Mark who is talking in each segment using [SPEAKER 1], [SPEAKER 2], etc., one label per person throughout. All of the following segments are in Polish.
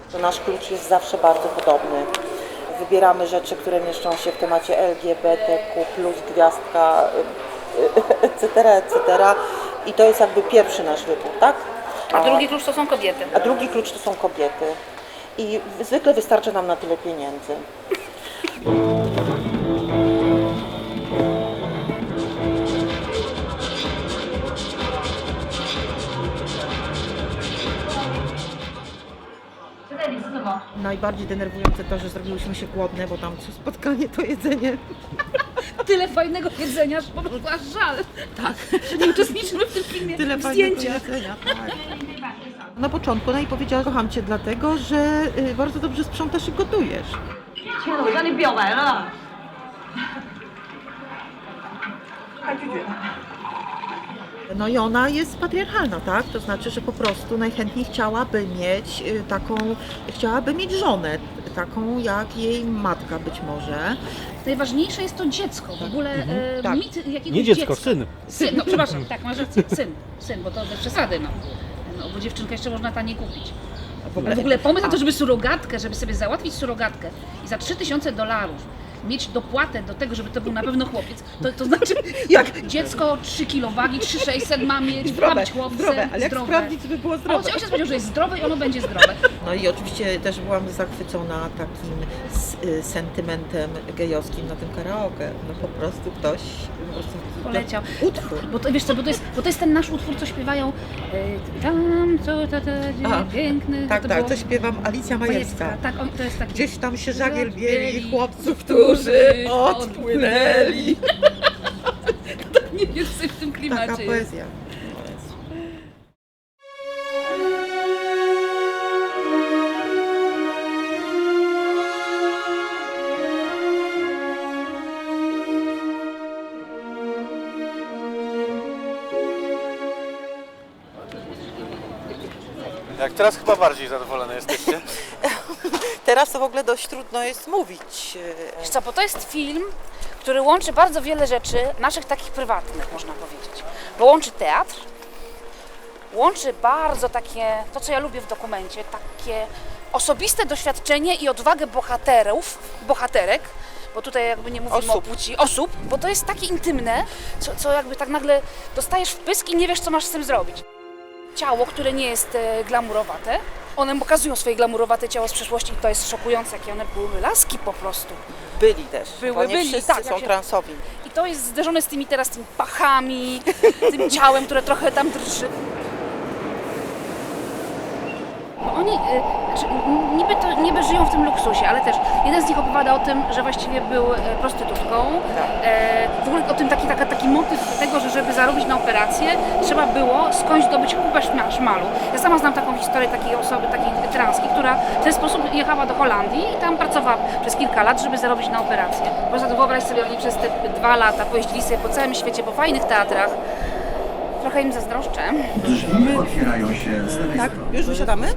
[SPEAKER 1] to nasz klucz jest zawsze bardzo podobny. Wybieramy rzeczy, które mieszczą się w temacie LGBTQ+, gwiazdka, etc. I to jest jakby pierwszy nasz wybór, tak?
[SPEAKER 2] A drugi klucz to są kobiety.
[SPEAKER 1] A drugi klucz to są kobiety. I zwykle wystarczy nam na tyle pieniędzy. Najbardziej denerwujące to, że zrobiłyśmy się głodne, bo tam co spotkanie to jedzenie.
[SPEAKER 2] Tyle fajnego jedzenia, że po prostu aż żal. Tak, że nie uczestniczymy w tym filmie.
[SPEAKER 1] Tyle
[SPEAKER 2] w
[SPEAKER 1] fajnego
[SPEAKER 2] zdjęciach.
[SPEAKER 1] jedzenia, tak. Na początku i powiedziała, kocham cię dlatego, że bardzo dobrze sprzątasz i gotujesz.
[SPEAKER 3] 亲爱的，我向你表白了。他拒绝。
[SPEAKER 1] No i ona jest patriarchalna, tak? To znaczy, że po prostu najchętniej chciałaby mieć żonę, taką jak jej matka być może.
[SPEAKER 2] Najważniejsze jest to dziecko. W ogóle
[SPEAKER 1] Tak.
[SPEAKER 2] mit jakiegoś
[SPEAKER 4] Nie dziecko,
[SPEAKER 2] dziecka.
[SPEAKER 4] syn.
[SPEAKER 2] No przepraszam, tak, masz rację, syn, bo to bez przesady, no. No, bo dziewczynkę jeszcze można taniej kupić. Ale w ogóle pomysł na to, żeby surogatkę, żeby sobie załatwić surogatkę i za $3000 mieć dopłatę do tego, żeby to był na pewno chłopiec, to znaczy jak dziecko 3 kg wagi, 3600 ma mieć, ma być chłopcem,
[SPEAKER 1] ale jak sprawdzić, żeby było
[SPEAKER 2] A
[SPEAKER 1] zdrowe?
[SPEAKER 2] ojciec powiedział, że jest zdrowe i ono będzie zdrowe.
[SPEAKER 1] No i oczywiście też byłam zachwycona takim sentymentem gejowskim na tym karaoke. No po prostu ktoś
[SPEAKER 2] Poleciał.
[SPEAKER 1] Utwór.
[SPEAKER 2] Bo to, wiesz co, bo to jest ten nasz utwór, co śpiewają tam, co piękny.
[SPEAKER 1] Tak,
[SPEAKER 2] to
[SPEAKER 1] tak,
[SPEAKER 2] było
[SPEAKER 1] to śpiewam Alicja Majewska.
[SPEAKER 2] Tak, to jest taki...
[SPEAKER 1] Gdzieś tam się żagiel bieli chłopców, którzy odpłynęli.
[SPEAKER 2] Tak mniej więcej w tym klimacie
[SPEAKER 1] Taka
[SPEAKER 2] jest.
[SPEAKER 1] poezja.
[SPEAKER 4] Jak teraz chyba bardziej zadowolone jesteście?
[SPEAKER 1] Teraz to w ogóle dość trudno jest mówić.
[SPEAKER 2] Wiesz co, bo to jest film, który łączy bardzo wiele rzeczy, naszych takich prywatnych, można powiedzieć. Bo łączy teatr, łączy bardzo takie, to co ja lubię w dokumencie, takie osobiste doświadczenie i odwagę bohaterek, bo tutaj jakby nie mówimy o płci, osób, bo to jest takie intymne, co jakby tak nagle dostajesz w pysk i nie wiesz, co masz z tym zrobić. Ciało, które nie jest glamurowate, one pokazują swoje glamurowate ciało z przeszłości i to jest szokujące, jakie one były laski po prostu.
[SPEAKER 1] Byli też, bo nie
[SPEAKER 2] byli,
[SPEAKER 1] wszyscy
[SPEAKER 2] tak,
[SPEAKER 1] są transowi.
[SPEAKER 2] I to jest zderzone z tymi pachami, tym ciałem, które trochę tam drży. Bo oni niby żyją w tym luksusie, ale też jeden z nich opowiada o tym, że właściwie był prostytutką. W ogóle o tym taki motyw tego, że żeby zarobić na operację, trzeba było skądś zdobyć kupę szmalu. Ja sama znam taką historię takiej osoby, takiej transki, która w ten sposób jechała do Holandii i tam pracowała przez kilka lat, żeby zarobić na operację. Po prostu wyobraź sobie, oni przez te 2 lata pojeździli sobie po całym świecie, po fajnych teatrach. Trochę im zazdroszczę.
[SPEAKER 5] Drzwi otwierają się z lewej
[SPEAKER 1] Tak,
[SPEAKER 5] strony.
[SPEAKER 1] już wysiadamy?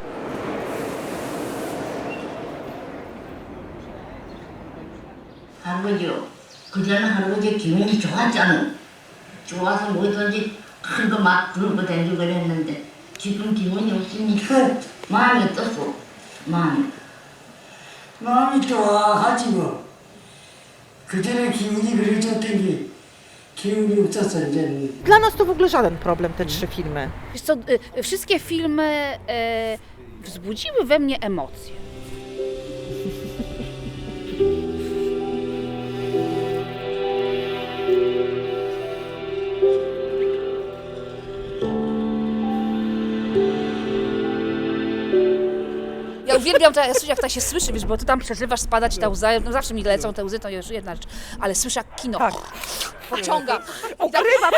[SPEAKER 6] 할아버지요. 그전에 할아버지 기운이 좋았잖아. 좋아서 뭐든지 큰 거 막 들고 다니고 그랬는데 지금 기운이 없으니까 마음이 어떻소? 마음이.
[SPEAKER 7] 마음이 좋아하지 뭐. 그전에 기운이 그래 좋더니 기운이 없었어 이제는.
[SPEAKER 1] Dla nas to w ogóle żaden problem, te 3 filmy.
[SPEAKER 2] Wiesz co, wszystkie filmy wzbudziły we mnie emocje. Ja uwielbiam to, jak to się słyszy, wiesz, bo ty tam przeżywasz, spadać ta łza, no zawsze mi lecą te łzy, to już jedna rzecz, ale słyszę jak kino pociąga.
[SPEAKER 1] Ukrywa,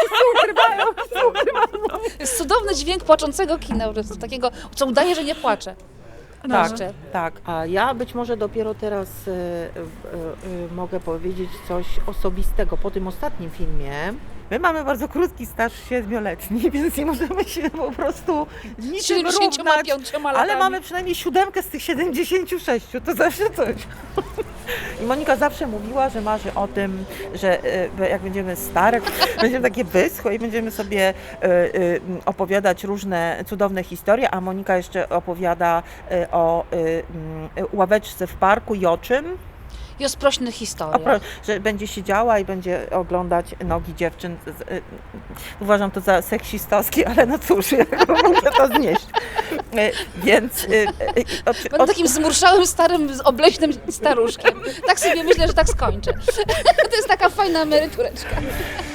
[SPEAKER 2] Jest cudowny dźwięk płaczącego kina, po prostu takiego, co udaje, że nie płacze.
[SPEAKER 1] Tak,
[SPEAKER 2] Jeszcze.
[SPEAKER 1] tak. A ja być może dopiero teraz mogę powiedzieć coś osobistego. Po tym ostatnim filmie my mamy bardzo krótki staż 7-letni, więc nie możemy się po prostu niczym równać,
[SPEAKER 2] 75 latami.
[SPEAKER 1] ale mamy przynajmniej 7 z tych 76, to zawsze coś. I Monika zawsze mówiła, że marzy o tym, że jak będziemy stare, Będziemy takie wyschłe i będziemy sobie opowiadać różne cudowne historie, a Monika jeszcze opowiada o ławeczce w parku i o czym?
[SPEAKER 2] I o sprośnych historiach.
[SPEAKER 1] Że będzie siedziała i będzie oglądać nogi dziewczyn. Uważam to za seksistowskie, ale no cóż, jak mogę to znieść. Więc
[SPEAKER 2] Będę takim zmurszałym, starym, obleśnym staruszkiem. Tak sobie myślę, że tak skończę. To jest taka fajna emerytureczka.